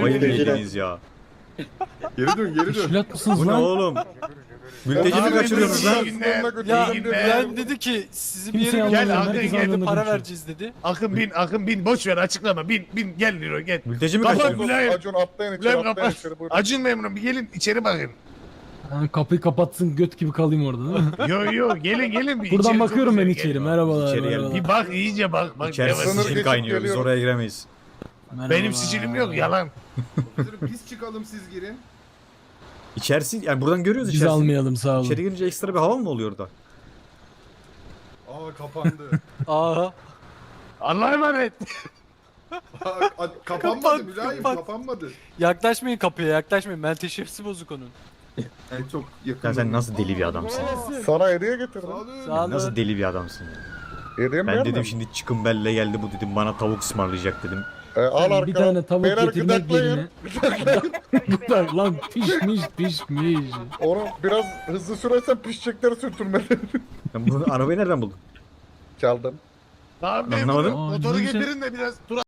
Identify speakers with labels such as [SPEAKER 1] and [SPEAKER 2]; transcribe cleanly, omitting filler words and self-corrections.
[SPEAKER 1] Kafayı mı
[SPEAKER 2] Mülteciler.
[SPEAKER 1] yediniz ya?
[SPEAKER 3] Geri dön geri dön.
[SPEAKER 4] Teşkilat mısınız
[SPEAKER 1] Bu ne
[SPEAKER 4] lan?
[SPEAKER 1] oğlum? Mülteci mi kaçırıyorsunuz lan?
[SPEAKER 5] Ya ben dedi ki sizi bir
[SPEAKER 4] Kimse
[SPEAKER 5] yere
[SPEAKER 4] anlamadı,
[SPEAKER 5] gel
[SPEAKER 4] herkes
[SPEAKER 5] Akın geldi
[SPEAKER 4] anladı
[SPEAKER 5] para
[SPEAKER 4] bir şey.
[SPEAKER 5] vereceğiz dedi. Akın bin boş ver açıklama bin gel Liro gel.
[SPEAKER 1] Mülteci mi
[SPEAKER 5] Kapat
[SPEAKER 1] kaçırıyorsunuz?
[SPEAKER 5] Mülayim.
[SPEAKER 3] Acun atlayın içeri
[SPEAKER 5] Mülayim
[SPEAKER 3] atlayın
[SPEAKER 5] kapat.
[SPEAKER 3] içeri buyurun.
[SPEAKER 5] Acın memnun bir gelin içeri bakın.
[SPEAKER 4] Ha, kapıyı kapatsın göt gibi kalayım orada değil mi?
[SPEAKER 5] Yo gelin bir
[SPEAKER 4] Buradan
[SPEAKER 5] içeri
[SPEAKER 4] bakıyorum
[SPEAKER 5] çok
[SPEAKER 4] ben
[SPEAKER 5] güzel,
[SPEAKER 4] içeri.
[SPEAKER 5] gelin.
[SPEAKER 4] Merhabalar.
[SPEAKER 1] İçeri gel.
[SPEAKER 4] merhabalar.
[SPEAKER 5] Bir bak iyice bak.
[SPEAKER 1] İçerisi
[SPEAKER 3] Sınır
[SPEAKER 1] sicil
[SPEAKER 3] geçip
[SPEAKER 1] kaynıyor. Biz
[SPEAKER 3] geliyorum.
[SPEAKER 1] oraya giremeyiz.
[SPEAKER 5] Benim sicilim yok yalan.
[SPEAKER 3] Biz çıkalım siz girin.
[SPEAKER 1] İçerisi yani buradan görüyoruz
[SPEAKER 4] Biz
[SPEAKER 1] içerisi.
[SPEAKER 4] almayalım sağ olun.
[SPEAKER 1] İçeri girince ekstra bir hava mı oluyor orada?
[SPEAKER 3] Aa kapandı.
[SPEAKER 5] Aa. Allah'a emanet.
[SPEAKER 3] Kapanmadı
[SPEAKER 5] Kapat,
[SPEAKER 3] Mülayim
[SPEAKER 5] kapat.
[SPEAKER 3] kapanmadı.
[SPEAKER 5] Yaklaşmayın kapıya yaklaşmayın. Menteşesi bozuk onun.
[SPEAKER 3] En çok yakın.
[SPEAKER 1] Ya sen nasıl deli bir adamsın ya?
[SPEAKER 3] Sana hediye getirdim.
[SPEAKER 5] Sağ olun.
[SPEAKER 1] Nasıl deli bir adamsın ya?
[SPEAKER 3] Hediye mi
[SPEAKER 1] Ben
[SPEAKER 3] beğenmedin?
[SPEAKER 1] dedim şimdi çıkın belle geldi bu dedim bana tavuk ısmarlayacak dedim.
[SPEAKER 3] Al arkana.
[SPEAKER 4] Bir tane tavuk
[SPEAKER 3] Beyler
[SPEAKER 4] getirmek
[SPEAKER 3] gıdaklayın.
[SPEAKER 4] yerine. Gıdak lan pişmiş.
[SPEAKER 3] Onu biraz hızlı sürersen pişecekleri sürtünmeli.
[SPEAKER 1] Ben bunu arabayı nereden buldun?
[SPEAKER 3] Çaldım.
[SPEAKER 5] Tamam
[SPEAKER 1] Anlamadım.
[SPEAKER 5] motoru
[SPEAKER 4] Aa, neyse.
[SPEAKER 5] getirin de biraz tur